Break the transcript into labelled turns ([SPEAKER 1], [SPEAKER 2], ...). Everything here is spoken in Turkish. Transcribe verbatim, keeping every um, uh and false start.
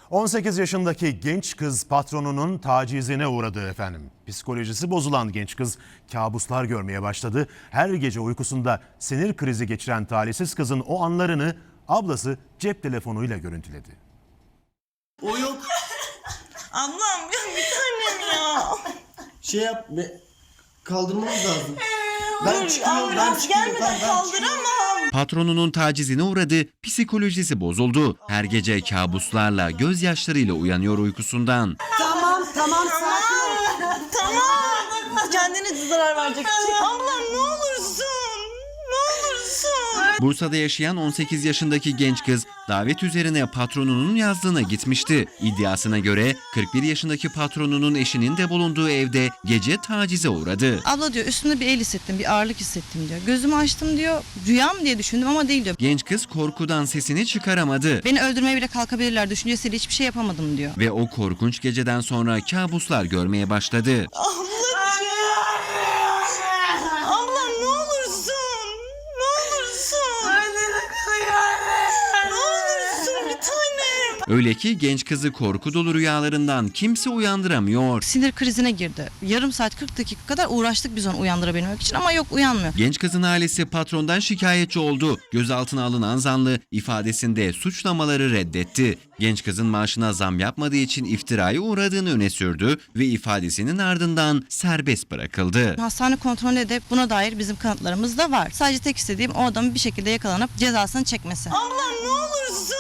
[SPEAKER 1] on sekiz yaşındaki genç kız patronunun tacizine uğradı efendim. Psikolojisi bozulan genç kız kabuslar görmeye başladı. Her gece uykusunda sinir krizi geçiren talihsiz kızın o anlarını ablası cep telefonuyla görüntüledi.
[SPEAKER 2] O yok.
[SPEAKER 3] Ablam ya bir tanem ya.
[SPEAKER 2] Şey yap. Be, kaldırmamız lazım. Ben
[SPEAKER 3] Dur,
[SPEAKER 2] çıkıyorum. Ben
[SPEAKER 3] ambulans
[SPEAKER 2] çıkıyorum.
[SPEAKER 3] gelmeden
[SPEAKER 2] Ben, ben çıkıyorum.
[SPEAKER 3] kaldıramam.
[SPEAKER 4] Patronunun tacizine uğradı, psikolojisi bozuldu. Her gece kabuslarla, gözyaşlarıyla uyanıyor uykusundan.
[SPEAKER 5] Tamam tamam sakin ol.
[SPEAKER 3] Tamam. Kendine zarar vereceksin. Ablam ne olursun. Ne olursun.
[SPEAKER 4] Bursa'da yaşayan on sekiz yaşındaki genç kız davet üzerine patronunun yazdığına gitmişti. İddiasına göre kırk bir yaşındaki patronunun eşinin de bulunduğu evde gece tacize uğradı.
[SPEAKER 6] Abla diyor üstümde bir el hissettim, bir ağırlık hissettim diyor. Gözümü açtım diyor, rüyam diye düşündüm ama değil diyor.
[SPEAKER 4] Genç kız korkudan sesini çıkaramadı
[SPEAKER 6] Beni öldürmeye bile kalkabilirler düşüncesiyle hiçbir şey yapamadım diyor.
[SPEAKER 4] ve o korkunç geceden sonra kabuslar görmeye başladı.
[SPEAKER 3] Ablam ne olursun. Ne olursun. Ne olursun bir tanem.
[SPEAKER 4] Öyle ki genç kızı korku dolu rüyalarından kimse uyandıramıyor.
[SPEAKER 6] Sinir krizine girdi. Yarım saat kırk dakika kadar uğraştık biz onu uyandırabilmek için ama yok uyanmıyor.
[SPEAKER 4] Genç kızın ailesi patrondan şikayetçi oldu. Gözaltına alınan zanlı ifadesinde suçlamaları reddetti. Genç kızın maaşına zam yapmadığı için iftiraya uğradığını öne sürdü ve ifadesinin ardından serbest bırakıldı.
[SPEAKER 6] Hastane kontrolünde de buna dair bizim kanıtlarımız da var. Sadece tek istediğim o adamın bir şekilde yakalanıp cezasını çekmesi.
[SPEAKER 3] Ablam ne olursun.